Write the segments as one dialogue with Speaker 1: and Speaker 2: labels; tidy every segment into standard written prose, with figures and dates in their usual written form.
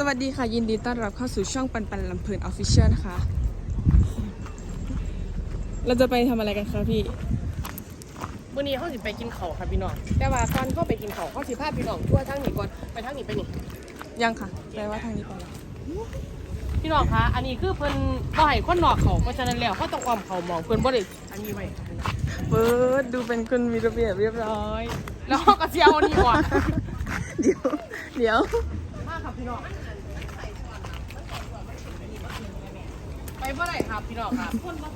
Speaker 1: วัสดีค่ะยินดีต้อนรับเข้าสู่ช่องปันปันลำเพลินออฟฟิเชียลนะคะเราจะไปทำอะไรกันคะพี่
Speaker 2: วันนี้เขาสิไปกินข้าวค่ะพี่น้องแต่ว่าก่อนเขาไปกินข้าวเขาสิพาพี่น้องทั่วทั้งนี้ก่อนไปทั้งนี้ไปนี่
Speaker 1: ยังค่ะแปลว่าทางนี้ไปแล้ว
Speaker 2: พี่น้องคะอันนี้คือเพิ่นบ่ให้คนนอกเขาเพราะฉะนั้นแล้วเขาต้องอ้อมเขามองเพิ่นบ่ได้อันนี้ไว้ค่ะพี่น้อง
Speaker 1: เปิดดูเป็นคนมีระเบียบเรียบร้อย
Speaker 2: แล้วเขาก็สิเอาอันนี้ก่อน
Speaker 1: เดี๋ยว
Speaker 2: มาครับพี่น้องไปบ่ได้ครับพี่น้องครับ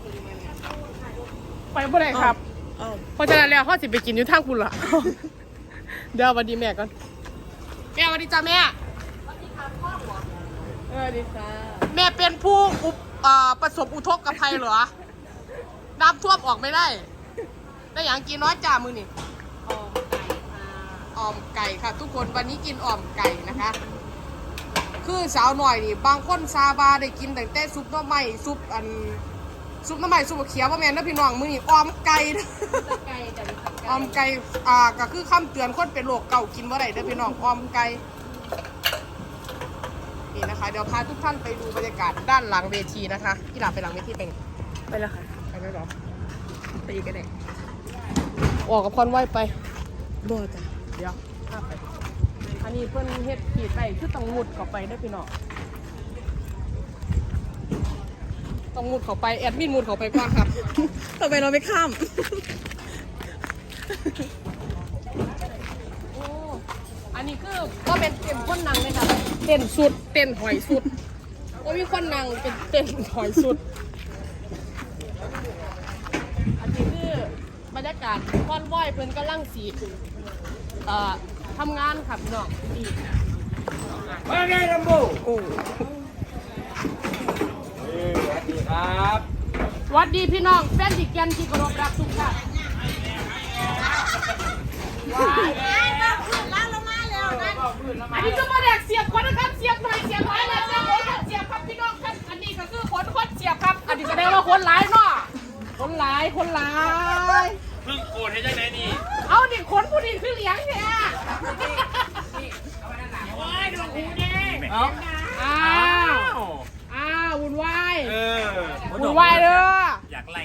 Speaker 2: ไปบ่ได้ครับ เพราะฉะนั้นแล้วเขาสิไปกินอยู่ทางคุณล่ะ เดี๋ยวสวัสดีแม่ก่อนแม่สวัสดีจ้าแม่สวัสดีค่ะแม่เป็นผู้ประสบอุทกภัยเหรอน้ำท่วมออกไม่ได้ได้อย่างกินน้อยจ่ามือนี่อ่อมไก่ค่ะทุกคนวันนี้กินอ่อมไก่นะคะคือสาวหน่อยนี่บางคนซาบาได้กินแต่ซุปหน่อไม้ซุปหน่อไม้ซุปเขียวว่าแม่นะพี่น้องมือนี่อ่อมไก่อ่อมไก่ก็คือคำเตือนคนเป็นโรคเก่ากินว่าไรเด้อพี่น้องอ่อมไก่นี่นะคะเดี๋ยวพาทุกท่านไปดูบรรยากาศด้านหลังเวทีนะคะที่หลังไปหลังเวทีเป็น
Speaker 1: ไปแล้วค่ะ
Speaker 2: ไปแล้วเหรอ
Speaker 1: ไปอีกกันเลย
Speaker 2: ออกกับพรไหวไป
Speaker 1: โบจ้ะ
Speaker 2: เดี๋ยวข้าไปอันนี้เพิ่นเฮ็ดขีดไปคือต้องมุดเข้าไปได้อพี่น้องต้องมุดเข้าไปแอดมินมุดเข้าไปก่อนครับ
Speaker 1: ต่อไปเราไม่ข้าม
Speaker 2: โอ้อันนี้คือก็เป็นเต็มคนนั่งเลยค่ะเต้นสุดเต้นหอยสุดก็มีคนนั่งเป็นเต้นหอยสุดอันนี้คือบรรยากาศคอนวอยเพิ่นกำลังสีทำงานค่ะพี่น้องดี
Speaker 3: ว่าไงลำโบ
Speaker 1: โอ้
Speaker 3: สวัสดีครับ
Speaker 2: สวัสดีพี่น้องแฟนดิแกนที่เคารพรักทุกท่านอันนี้ก็มาแดกเสียบคนนะครับเสียบหน่อยเสียบหลายแล้วเสียบคนเสียบครับพี่น้องครับอันนี้ก็คือคนเสียบครับอันนี้แสดงว่าคนหลายเนาะคนหลาย
Speaker 3: เพิ่งโกรธให้จังไหนนี่
Speaker 2: เอาดิคนผู้ดีคือเลี้ยงเนี่ย
Speaker 3: โอ้ยดวงหูแดงเอ้า
Speaker 2: อ้าววุ่นวาย
Speaker 3: วุ่
Speaker 2: นวายเด้อ
Speaker 3: อยากไล่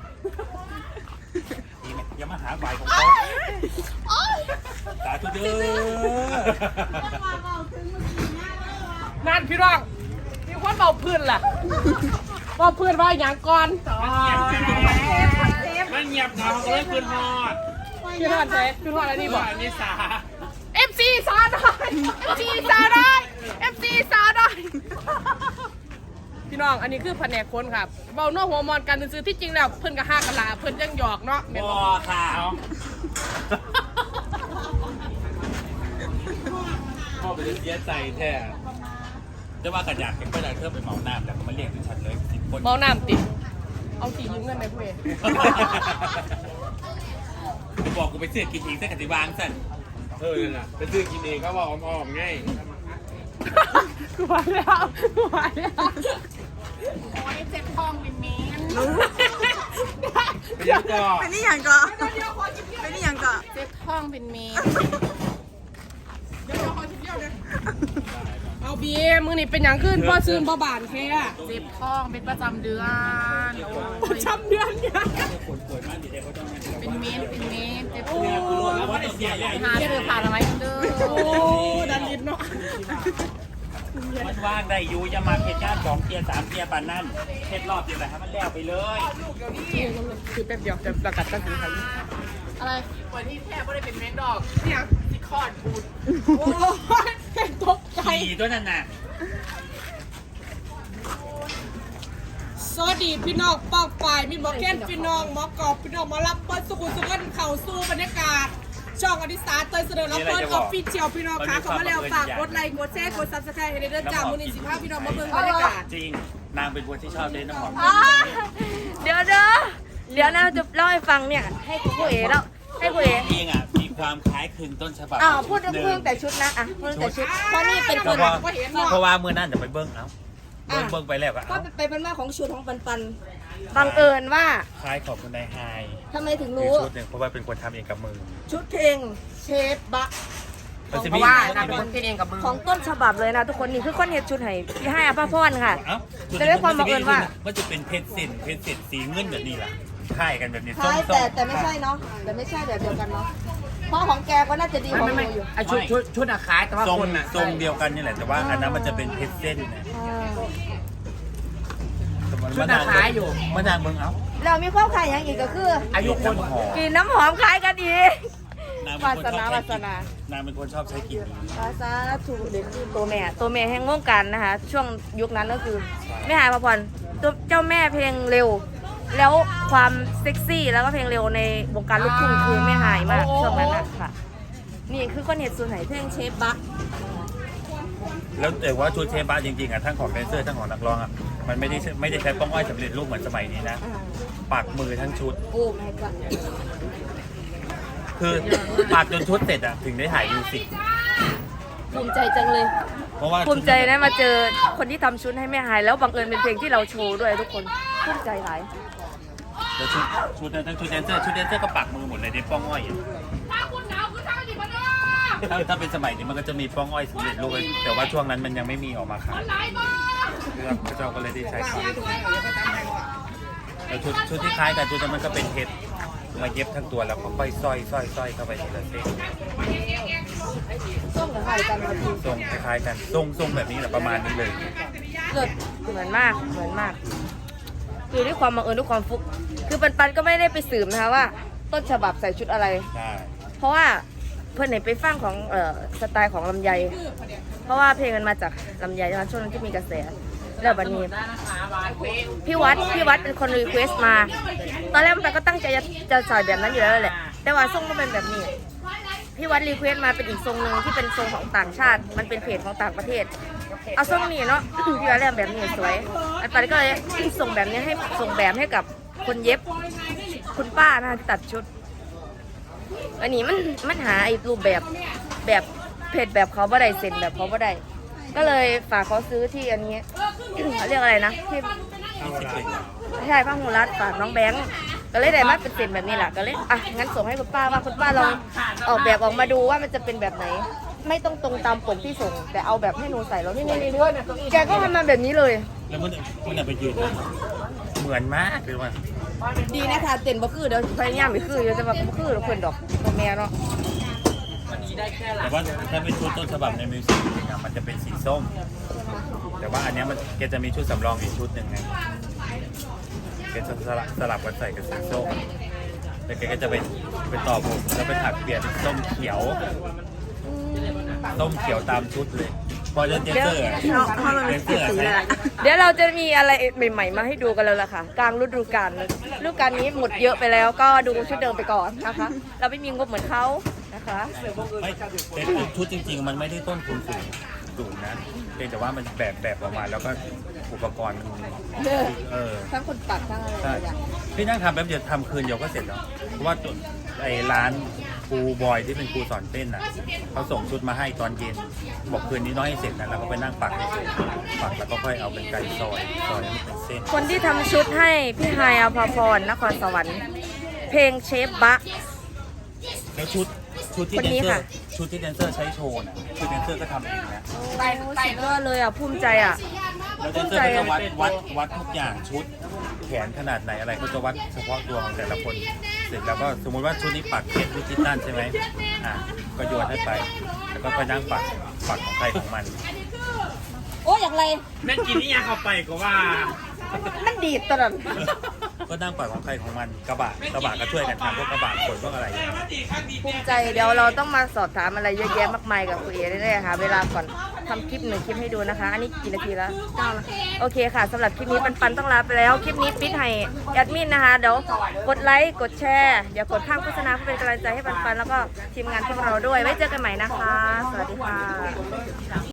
Speaker 3: อย่ามาหาฝ่ายของเขาสาธุเด้อ
Speaker 2: นั่นพี่น้องมีคนเบาพื้นล่ะเบาพื้นว่าอย่างก่อน
Speaker 3: มันเงียบเหงาเลยคืนฮอด
Speaker 2: พี่ทอดใช่พี่ทอดอะไรนี่บอก
Speaker 3: นิสา
Speaker 2: FC สาวน้อย FC สาวน้อย FC สาวน้อยพี่น้องอันนี้คือแผนกคนครับเบาโน้หัวมอนกันซื้อที่จริงแล้วเพิ่นก็ห้ากะลาเพิ่นยังหยอกเนาะแม่น
Speaker 3: บ
Speaker 2: บ่
Speaker 3: อค่ะพ่อไปเสียใจแท้จะว่ากระดาษเก็บไปได้เพิ่มไปเหมาน้ำแล้วก็มาเรียกถึงฉันเลย10 คน
Speaker 2: เมาน้ำติเอาสียืมเงินไหมเพื่อน
Speaker 3: บอกกูไปซื้อกินเองซะกติบางสั่นนั่นน่ะไปซื้อกินเองเขาบอกอ้อมๆไง
Speaker 2: กูมาแล้วกูมาแล้วโอ้ยเจ็บท้องเป็นเมน
Speaker 3: ไปยังก่อ
Speaker 1: ไปนี่อย่างก่อนไปนี่อย่างก่อน
Speaker 2: เจ็บท้องเป็นเมนเดี๋ยวขอชิมเดียวเลยเอาบีมือนี่เป็นอย่างขึ้นพ่อซื้อบ่บานแค่เจ็บท้องเป็นประจำเดือนประจำเดือนเนี่ยเป็นเมนเจ็บท้องหาเสื้อผ้าอะไรกันเด้อโอ้ดันลิ้นเนาะ
Speaker 3: มันว่างได้อยู่อย่ามาเพจการ2 เทียร์ 3 เทียร์ปานนั่นเพจรอบเดียวแต่ให้มันแล้วไปเลย
Speaker 2: คือแป๊บเดียวจะประกาศตั้งกี่ครั้งอะไรวันที่แทบไม่ได้เป็นเมนดอกเนี่ยที่คอดบูดโอ้ยเป็นตกใจ
Speaker 3: ขี่ตัวนั้นน่ะ
Speaker 2: สวัสดีพี่น้องปอกฝ่ายมีหมอแค้นพี่น้องหมอกอบพี่น้องหมอรับเปิ้ลสุขุมสุขเข่าสู้บรรยากาศช่องอดิสาเตยเสนอรับเปิ้ลออฟฟิเชียลพี่น้องค่ะเข้ามาแล้วฝากกดไลค์กดแชร์กดซับสไครต์ให้ได้เด้อจ้ามูลนิธิภาพพี่น้องมาเบิ่งบรรยากาศ
Speaker 3: จริงนางเป็นคนที่ชอบเล่นน้ำหอม
Speaker 4: เดี๋ยวนะจะเล่าให้ฟังเนี่ยให้ครูเอ๋แล้วให้ครูเอ๋
Speaker 3: เองอ่ะมีความคล้ายคลึงต้นฉบับ
Speaker 4: พูดเรื่องแต่ชุดนะพูดแต่ชุดเพราะนี่เป็นคน
Speaker 3: เพราะว่าเมื่อนั้นเดี๋ยวไปเบิ้งเอาเบิ้งไปแล้วก็
Speaker 4: ก็
Speaker 3: เอา
Speaker 4: เป็นมาของชุดของปันบังเอิญว่า
Speaker 3: คล้ายของคุณนายไฮ
Speaker 4: ทำไมถึง
Speaker 3: มี
Speaker 4: รู้
Speaker 3: ชุดหนึ่งเพราะว่าเป็นคนทำเองกับมือ
Speaker 4: ชุดเพลงเชฟบะ
Speaker 2: เพราะว่านางเป็นคนคิดเองกับมือ
Speaker 4: ของต้นฉบับเลยนะทุกคนนี่คือคนเห็ดชุดให้พี่ให้อภพรค่ะ
Speaker 3: เอ้า
Speaker 4: แต่ด้วยความบังเอิญว่า
Speaker 3: มันจะเป็นเพชรเส้นสีเงินแบบนี้แหละค่ายกันแบบนี้
Speaker 4: ใช่แต่ไม่ใช่เนาะแต่ไม่ใช่แบบเดียวกันเนาะเพราะของแกก็น่าจะดีของหนูอยู่
Speaker 2: ไอชุดอะขายแต่ว่า
Speaker 3: ทรง
Speaker 2: คนอะ
Speaker 3: ทรงเดียวกันนี่แหละแต่ว่าอันนั้นมันจะเป็นเพชรเส้นนะ
Speaker 2: ชุดอะขายอยู่
Speaker 3: มานางเมืองเอา
Speaker 4: เรามีความขายอย่างอีกก็คือ
Speaker 2: อายุคน
Speaker 3: หอม
Speaker 4: กินน้ำหอมคล้ายกันอีก
Speaker 3: นางเป็นคนชอบ
Speaker 4: วา
Speaker 3: ใช้
Speaker 4: ส
Speaker 3: กิน
Speaker 4: นา
Speaker 3: นางเป็นคนชอบใช้กิน
Speaker 4: ภาษาถูกเด็กคือตัวแม่แห่งวงการนะคะ ช่วงยุคนั้นก็คือแม่หายพรพรตัวเจ้าแม่เพลงเร็ว แล้วความเซ็กซี่แล้วก็เพลงเร็วในวงการลูกทุ่งคือแม่หายมากช่วงนั้นนะค่ะ นี่คือคนเห็ดส่วนไหนเพลงเชฟบะ
Speaker 3: แล้วแต่ว่าชุดเชฟบ้าจริงๆอ่ะทั้งของแดนเซอร์ทั้งของนักร้องอ่ะมันไม่ได้ใช้ป้องอ้อยสำเร็จรูปเหมือนสมัยนี้นะปักมือทั้งชุด
Speaker 4: โอ้แม่จ้ะ
Speaker 3: คือปักจนชุดเสร็จอ่ะถึงได้ถ่ายมิวสิก
Speaker 4: ภูมิใจจังเลย
Speaker 3: เพราะว่า
Speaker 4: ภูมิใจได้มาเจอคนที่ทำชุดให้แม่หายแล้วบังเอิญเป็นเพลงที่เราโชว์ด้วยทุกคนภูมิใจหลาย
Speaker 3: แล้วชุดนั้นทั้งชุดแดนเซอร์ก็ปักมือหมดเลยในป้องอ้อยอ่ะถ้าเป็นสมัยนี้มันก็จะมีป้องอ้อยสำเร็จรูปเลยแต่ว่าช่วงนั้นมันยังไม่มีออกมาขายพระเจ้าก็เลยได้ใช้ขายแล้วชุดที่คล้ายกันชุดนั้นมันก็เป็นเพชรมาเย็บทั้งตัวแล้วก็ค่อยสร้อยเข้าไปทีละเส้น
Speaker 4: ส้มกับไข่กันมาที
Speaker 3: ทรงคล้ายๆกันทรงแบบนี้แหละประมาณนี้เลย
Speaker 4: เกิดเหมือนมากคือด้วยความบังเอิญด้วยความฟุกคือปันก็ไม่ได้ไปสืบนะคะว่า ต้นฉบับใส่ชุดอะไร
Speaker 3: ใช่
Speaker 4: เพราะว่าเพื่อนไหนไปฟังของสไตล์ของลำไย เพราะว่าเพลงมันมาจากลำไยนะคะช่วงนั้นที่มีกระแสแล้วบัดนี้พี่วัดเป็นคนรีเควสต์มา ตอนแรกมันก็ตั้งใจจะใส่แบบนั้นอยู่แล้วแหละแต่ว่าทรงก็เป็นแบบนี้พี่วัดรีเควสต์มาเป็นอีกทรงหนึ่งที่เป็นทรงของต่างชาติ มันเป็นเพจของต่างประเทศเอาทรงนี้เนาะ พี่วัดเรียกแบบนี้สวยอันปันก็เลยส่งแบบนี้ให้ส่งแบบให้กับคนเย็บคุณป้านะคะที่ตัดชุด อันนี้มันหาไอ้รูปแบบเพจแบบเขาบ่ได้เซ็นแบบเขาบ่ได้ก็เลยฝากเขาซื้อที่อันนี้ เขาเรียกอะไรนะที่ใช่ผ้าหูรัดฝากน้องแบงค์ก็เลยได้มาเป็นเซ็นแบบนี้แหละก็เลยอ่ะงั้นส่งให้คุณป้าว่าคุณป้าลองออกแบบออกมาดูว่ามันจะเป็นแบบไหน ไม่ต้องตรงตามปกที่ส่ง แต่เอาแบบให้หนูใส่แล้วนี่แกก็ทำมาแบบนี้เลย
Speaker 3: แล้วมันไปยืนเหมือนมากเลยว่ะ
Speaker 4: ดีนะคะเต้นบ่คือเดี๋ยวพยายามไปคือเดี๋ยวจะแบบบ่คือเพื่อนดอกตัวแม่เนาะ
Speaker 3: แต่ว่าถ้าเป็นชุดต้นฉบับในมิวสิกนะมันจะเป็นสีส้ม แต่ว่าอันเนี้ยมันแกจะมีชุดสำรองอีกชุดหนึ่งไงแกจะสลับกันใส่กับสีส้มแล้วแกก็จะไปต่อผมแล้วไปถักเปลี่ยนเป็นส้มเขียวตามชุดเลยพอจะเจนเซอร์อะ
Speaker 1: เพราะมันเป็นสีเลย
Speaker 4: เดี๋ยวเราจะมีอะไรใหม่ๆมาให้ดูกันแล้วล่ะค่ะกลางฤดูกาลนี้หมดเยอะไปแล้วก็ดูชุดเดิมไปก่อนนะคะ เราไม่มีงบเหมือนเขานะคะ
Speaker 3: ไม่แต่ชุดจริงๆมันไม่ได้ต้นทุนสูงนะเพียงแต่ว่ามันแบบออกมาแล้วก็อุปกรณ์มัน
Speaker 4: ทั้งคนปักทั้งอะไร
Speaker 3: ใช่พี่นั่งทำแป๊บเดียวทำคืนเดียวก็เสร็จแล้วเพราะว่าไอ้ร้านครูบอยที่เป็นครูสอนเต้นอ่ะเขาส่งชุดมาให้ตอนเย็นบอกคืนนี้น้อยให้เสร็จนะแล้วก็ไปนั่งปักปักแล้วก็ค่อยเอาเป็นไก่ซอยให้มันเป็นเส้น
Speaker 4: คนที่ทำชุดให้พี่ไฮายอภพรนครสวรรค์เพลงเชฟบะ
Speaker 3: แล้วชุดที่
Speaker 4: คน
Speaker 3: แดน
Speaker 4: นี้
Speaker 3: เซอ
Speaker 4: ค่ะ
Speaker 3: ร์ชุดที่แดนเซอร์ใช้โชว์น่ะชุดแดนเซอร์ก็ทำเองนะ
Speaker 4: สุดยอดเลยอ่ะภูมิใจอ่ะ
Speaker 3: แล้วแดนเซอร์ก็จะวัดทุกอย่างชุดแขนขนาดไหนอะไรเขาจะวัดเฉพาะตัวของแต่ละคนเสร็จแล้วก็สมมติว่าชุดนี้ปักเพชรดิจิตอลใช่ไหมก็โยนให้ไปแล้วก็นั่งปักของใครของมัน
Speaker 4: โอ้อย่างไร
Speaker 3: แม่กินนี่ยังเข้าไปก็ว่า
Speaker 4: มันดีดตลอด
Speaker 3: ก็นั่งปักของใครของมันกระบะก็ช่วยกันทำพวกกระบะขนพวกอะไร
Speaker 4: ภูมิใจเดี๋ยวเราต้องมาสอบถามอะไรเยอะแยะมากมายกับคุณเอ๋ได้ๆค่ะเวลาก่อนทำคลิป1 คลิปให้ดูนะคะ อันนี้กี่นาทีแล้ว9แล้วโอเคค่ะสำหรับคลิปนี้ปันต้องลาไปแล้วคลิปนี้ปิดให้แอดมินนะคะเดี๋ยวกดไลค์กดแชร์อย่ากดข้ามโฆษณาเพื่อเป็นกำลังใจให้ปันแล้วก็ทีมงานพวกเราด้วยไว้เจอกันใหม่นะคะสวัสดีค่ะ